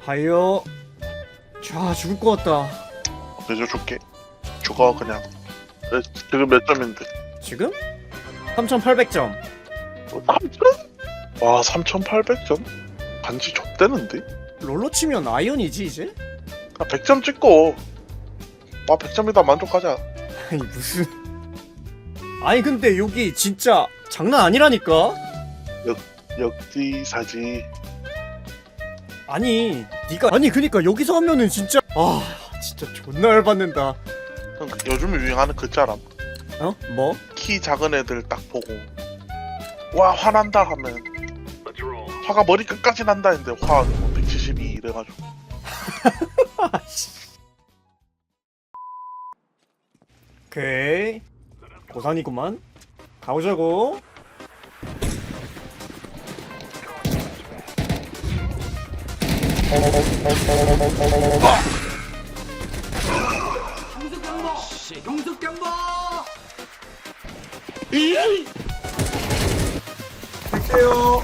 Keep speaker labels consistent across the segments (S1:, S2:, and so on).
S1: 하이요. 자, 죽을 것 같다.
S2: 내줘 줄게. 죽어 그냥. 지금 몇 점인데?
S1: 지금? 3,800점.
S2: 3천? 와 3,800점? 간지 좆대는데?
S1: 롤로 치면 아이언이지 이제?
S2: 100점 찍고 100점이다 만족하자.
S1: 아니 무슨. 아니 근데 여기 진짜 장난 아니라니까?
S2: 역지사지.
S1: 아니 니가 아니 그니까 여기서 하면은 진짜 진짜 존나 열받는다.
S2: 요즘 유행하는 그 자람.
S1: 어? 뭐?
S2: 키 작은 애들 딱 보고 와 화난다 하면 화가 머리 끝까지 난다 했는데 화 172 이래가지고.
S1: 오케이 고산이구만. 가보자고.
S3: 용숙경보!
S1: 갈게요.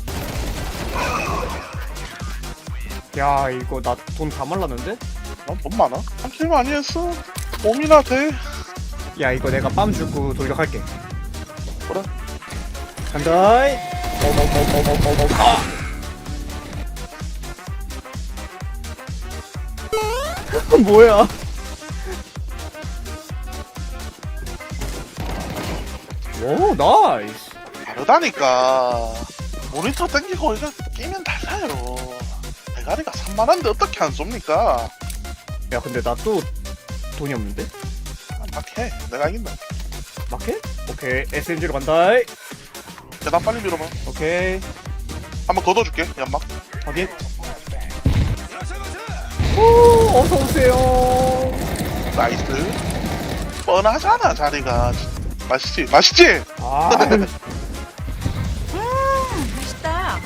S1: 야 이거 나 돈 다 말랐는데?
S2: 넌돈 많아? 삼킬 많이 했어. 몸이나 돼.
S1: 야 이거 내가 빰 주고 돌격할게.
S2: 그래.
S1: 간다이. 뭐야? 오 나이스.
S2: 다르다니까. 모니터 땡기고 이거 끼면 달라요. 대가리가 3만원인데 어떻게 안 쏩니까?
S1: 야 근데 나 또 돈이 없는데?
S2: 막해. 내가 이긴다.
S1: 마켓? 오케이 SMG로 간다이.
S2: 계단 빨리 밀어봐.
S1: 오케이
S2: 한번 걷어줄게. 연막.
S1: 확인. 오 어서오세요.
S2: 나이스. 뻔하잖아 자리가. 맛있지? 맛있지?
S1: 아
S3: 맛있다.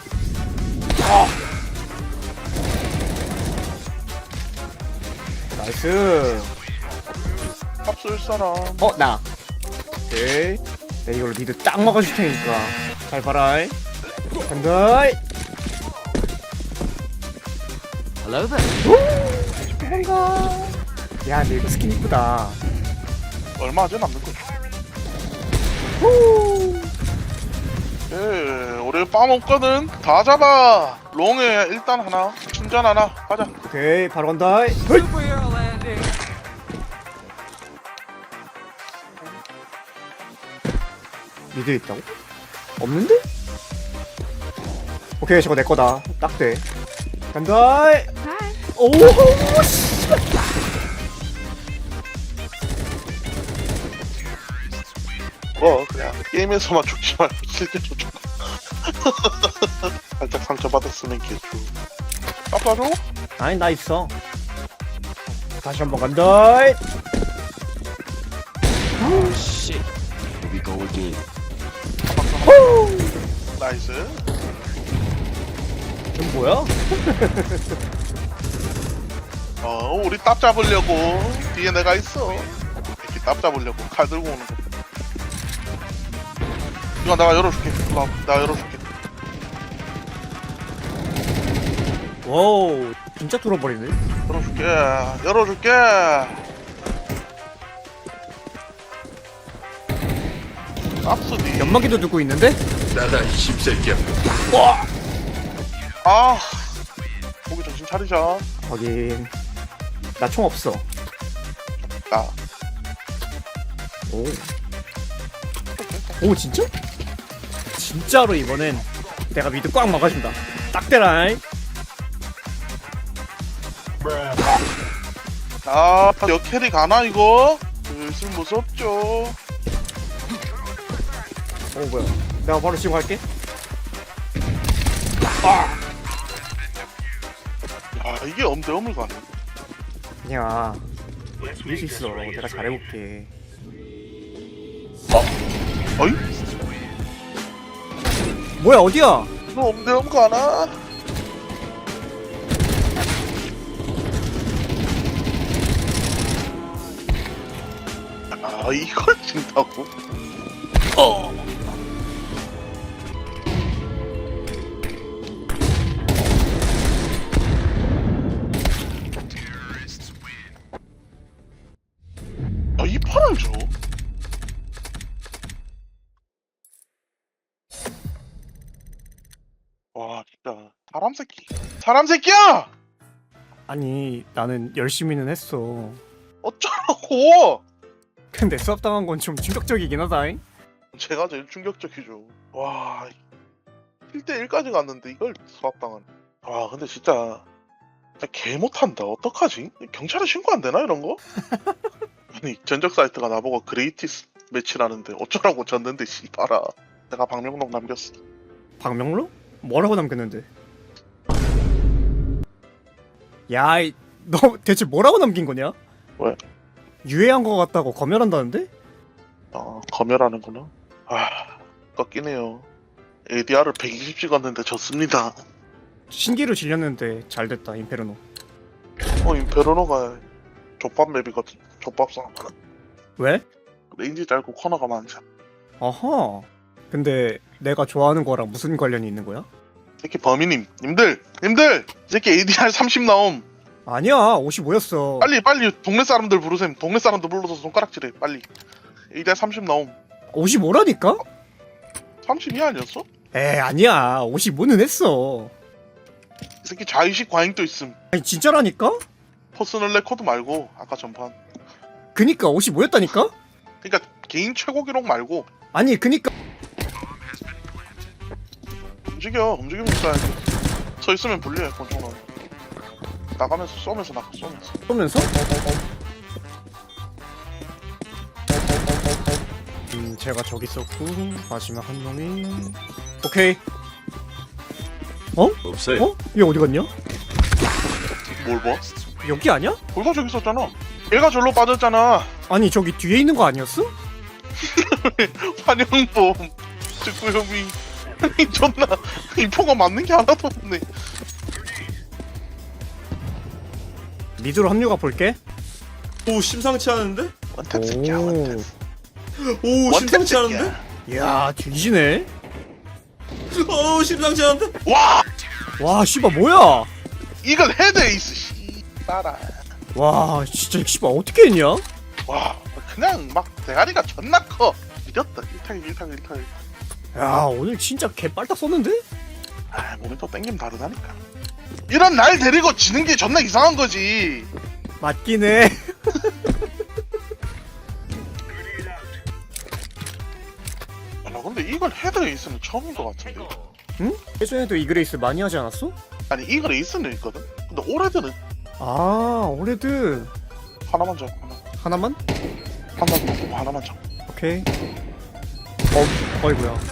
S1: 나이스.
S2: 밥쏠 사람.
S1: 나. 오케이. 내가 이걸로 니들 딱 막아줄 테니까 잘 봐라. 간다이.
S3: Hello there.
S1: 도망가. 야 근데 이거 스킨 이쁘다.
S2: 얼마 안 남는 거지.
S1: 후.
S2: 예, 우리 빰 없거든. 다 잡아. 롱에 일단 하나, 충전 하나. 가자.
S1: 오케이 바로 간다. 헐.
S3: Superhero landing.
S1: 미드 있다고? 없는데? 오케이 저거 내 거다. 딱 돼. 간다. 오 씨.
S2: 그냥 게임에서만 죽지 말고 실제로 죽어. 살짝 상처받았으면 개쭈. 아빠로?
S1: 아니 나 있어. 다시 한번 간다.
S3: Shit. Here we go again.
S2: 나이스.
S1: 이건 뭐야?
S2: 우리 딱 잡으려고. 뒤에 내가 있어. 이렇게 딱 잡으려고 칼 들고 오는 거. 이거 내가 열어줄게. 일로 와. 내가 열어줄게.
S1: 와우 진짜 뚫어버리네.
S2: 열어줄게. 열어줄게. 깝스디.
S1: 연막이도 두고 있는데?
S4: 나다 이 씹새끼야.
S1: 와.
S2: 아. 거기 정신 차리자.
S1: 확인. 나 총 없어.
S2: 나.
S1: 오. 오 진짜? 진짜로 이번엔 내가 미드 꽉 막아준다. 딱 대라잉.
S2: 역캐리 가나 이거? 슬슬 무섭죠.
S1: 뭐야? 내가 바로 지금 갈게.
S2: 이게 엄대엄을 가네.
S1: 그냥 이길 수 있어. 내가 잘해볼게.
S2: 어이?
S1: 뭐야 어디야?
S2: 너 엄대엄 가나? 이걸 진다고? 야, 사람 새끼야!
S1: 아니 나는 열심히는 했어.
S2: 어쩌라고!
S1: 근데 수압당한 건 좀 충격적이긴 하다잉.
S2: 제가 제일 충격적이죠. 와, 1대1까지 갔는데 이걸 수압당하네. 와, 근데 진짜 개 못한다. 어떡하지? 경찰에 신고 안 되나 이런 거? 아니 전적 사이트가 나보고 그레이티스 매치라는데 어쩌라고 졌는데 씨발아. 내가 방명록 남겼어.
S1: 박명로? 뭐라고 남겼는데? 야, 너 대체 뭐라고 남긴 거냐?
S2: 왜?
S1: 유해한 거 같다고 검열한다는데?
S2: 검열하는구나. 꺾이네요. ADR을 120 찍었는데 졌습니다.
S1: 신기루 질렸는데 잘 됐다 임페르노.
S2: 임페르노가 족밥 맵이거든. 족밥상.
S1: 왜?
S2: 레인지 짧고 코너가 많잖아.
S1: 어허. 근데 내가 좋아하는 거랑 무슨 관련이 있는 거야?
S2: 새끼 범인님, 님들, 이 새끼 ADR 30 나옴.
S1: 아니야 55였어.
S2: 빨리 동네 사람들 부르셈. 동네 사람들 불러서 손가락질해. 빨리. ADR 30 나옴.
S1: 55라니까?
S2: 32 아니었어?
S1: 에 아니야 55는 했어.
S2: 이 새끼 자의식 과잉도 있음.
S1: 아니 진짜라니까?
S2: 퍼스널 레코드 말고 아까 전판.
S1: 그니까 55였다니까?
S2: 그러니까 개인 최고 기록 말고
S1: 아니 그니까
S2: 움직이면서 쏴야지. 서 있으면 불리해 권총은. 나가면서 쏘면서
S1: 쏘면서? 제가 저기 있었고 마지막 한 놈이 오케이.
S4: 없어요.
S1: 어? 얘 어디 갔냐?
S2: 뭘 봐?
S1: 여기 아니야?
S2: 벌써 저기 있었잖아. 얘가 절로 빠졌잖아.
S1: 아니 저기 뒤에 있는 거 아니었어?
S2: 환영범 직구형이 아니 존나 인포가 맞는 게 하나도 없네.
S1: 미드로 합류가 볼게.
S5: 오 심상치 않은데?
S2: 원탭 새끼야 원탭.
S5: 오
S2: 원탭
S5: 심상치
S2: 새끼야.
S5: 않은데?
S1: 이야 뒤지네.
S5: 오 심상치 않은데?
S2: 와
S1: 와 씨발 뭐야?
S2: 이걸 헤드 에이스 씨발아.
S1: 와 진짜 씨발 어떻게 했냐?
S2: 와 그냥 막 대가리가 존나 커. 이겼다. 1타기.
S1: 야 오늘 진짜 개빨딱 썼는데?
S2: 몸이 또 땡기면 다르다니까. 이런 날 데리고 지는 게 존나 이상한 거지.
S1: 맞긴 해.
S2: 나 근데 이걸 헤드 에이스는 처음인 것 같은데.
S1: 응? 예전에도 이그레이스 많이 하지 않았어?
S2: 아니 이걸 에이스는 있거든. 근데 올해드는
S1: 아 올해드
S2: 하나만 잡고
S1: 하나만?
S2: 하나만 잡고 하나만 잡고.
S1: 오케이. 어이구야.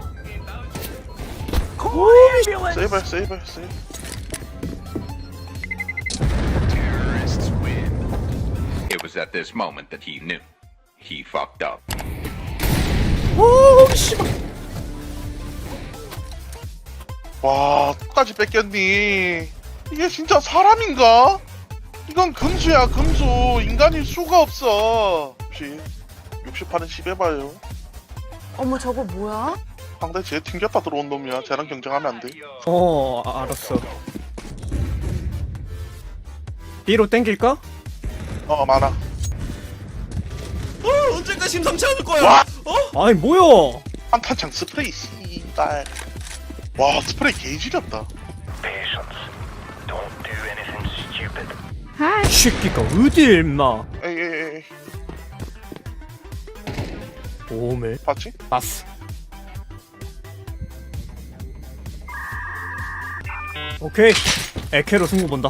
S2: 세이브.
S6: It was at this moment that he knew. He fucked up.
S1: 오 씨발.
S2: 와, 끝까지 뺏겼니? 이게 진짜 사람인가? 이건 금수야, 금수. 인간일 수가 없어. 60판은 10 해봐요.
S7: 어머 저거 뭐야?
S2: 상대 쟤 튕겼다 들어온 놈이야. 쟤랑 경쟁하면 안 돼.
S1: 알았어. B로 땡길까?
S2: 많아.
S5: 언제까지 심상치 않을 거야?
S2: 와!
S1: 아니 뭐야?
S2: 한탄창 스프레이, 씨발. 와, 스프레이 개지렸다.
S1: 이 새끼가 어딜 임마.
S2: 에이.
S1: 오메.
S2: 봤지?
S1: 봤어. 오케이. 에케로 승부 본다.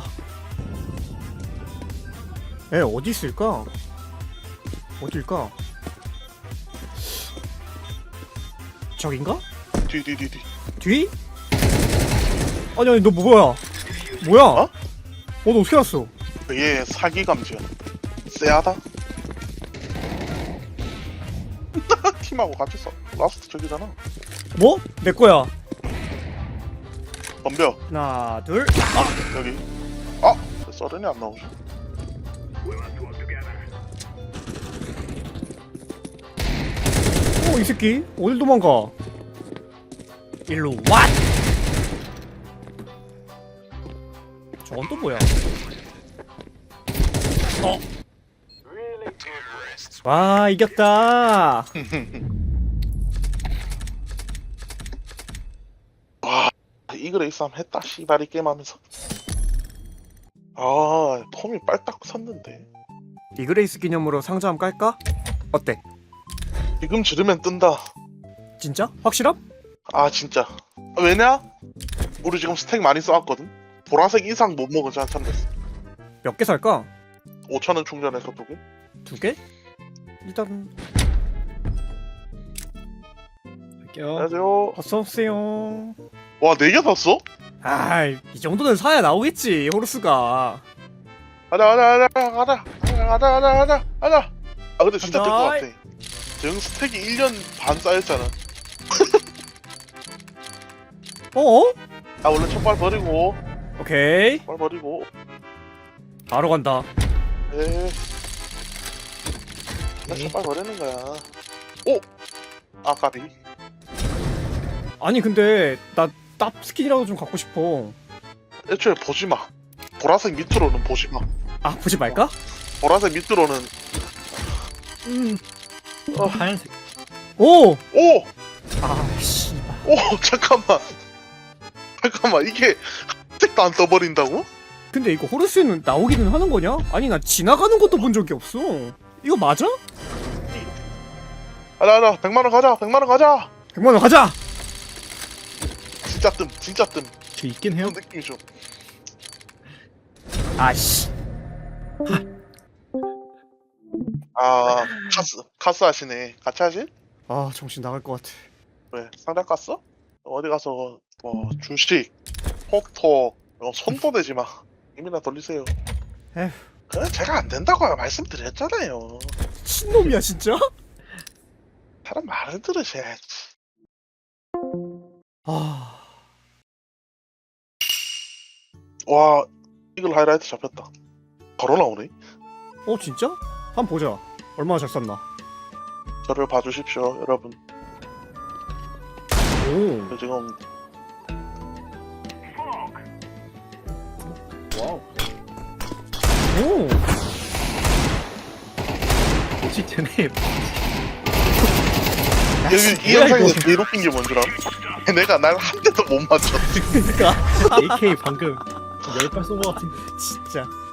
S1: 에 어디 있을까? 어딜까? 저긴가?
S2: 뒤.
S1: 뒤? 아니 너 뭐야? 뭐야?
S2: 어?
S1: 너 어떻게 알았어?
S2: 얘 사기 감지야. 쎄하다. 팀하고 같이 써. 라스트 저기잖아.
S1: 뭐? 내 거야.
S2: 덤벼.
S1: 하나, 둘.
S2: 여기. 썰은이 안 나오죠.
S1: 이 새끼 어딜 도망가? 일로 왓! 저건 또 뭐야? 와 이겼다.
S2: 이그레이스 한번 했다 씨발이 게임하면서. 아 폼이 빨딱 섰는데
S1: 이그레이스 기념으로 상자 한번 깔까? 어때?
S2: 지금 지르면 뜬다.
S1: 진짜? 확실함?
S2: 아 진짜. 왜냐? 우리 지금 스택 많이 쌓았거든. 보라색 이상 못 먹은 지 한참 됐어.
S1: 몇 개 살까?
S2: 5,000원 충전해서 2개?
S1: 2개? 일단 할게요.
S2: 안녕하세요.
S1: 어서오세요.
S2: 와 4개 샀어?
S1: 아이 이 정도는 사야 나오겠지 호루스가.
S2: 가자. 아 근데 진짜 될 것
S1: 간다.
S2: 같아. 정 스택이 1년 반 쌓였잖아.
S1: 어?
S2: 아 원래 첫발 버리고
S1: 오케이
S2: 발 버리고.
S1: 바로 간다.
S2: 에. 나 첫발 버리는 거야. 오. 아까비.
S1: 아니 근데 나 땀 스킨이라도 좀 갖고 싶어.
S2: 애초에 보지 마. 보라색 밑으로는 보지 마.
S1: 아 보지 말까?
S2: 보라색 밑으로는
S1: 하얀색. 오!
S2: 오!
S1: 아 씨발.
S2: 오 잠깐만 이게 색도 안 떠버린다고?
S1: 근데 이거 호루스는 나오기는 하는 거냐? 아니 나 지나가는 것도 본 적이 없어. 이거 맞아?
S2: 가자 100만원 가자 100만원 가자.
S1: 100만원 가자!
S2: 진짜 뜸
S1: 저 있긴 해요.
S2: 그런 느낌이죠.
S1: 아씨.
S2: 아 카스 하시네. 같이 하지?
S1: 아 정신 나갈 것 같아.
S2: 왜 상자 깠어? 어디 가서 뭐 주식 톡톡 손도 대지 마. 이미나 돌리세요.
S1: 에휴.
S2: 그래 제가 안 된다고 말씀드렸잖아요.
S1: 신놈이야 진짜?
S2: 사람 말을 들으셔야지.
S1: 아.
S2: 와 이글 하이라이트 잡혔다. 바로 나오네.
S1: 어 진짜? 한번 보자. 얼마나 잘 쐈나.
S2: 저를 봐주십시오 여러분.
S1: 오.
S2: 저 지금
S1: 와우. 오.
S2: 여기 이 영상에서 제일 웃긴 게 뭔 줄 알아? 내가 날 한 대도 못 맞췄어.
S1: 그러니까 AK 방금 10발 쏜 것 같은데 진짜.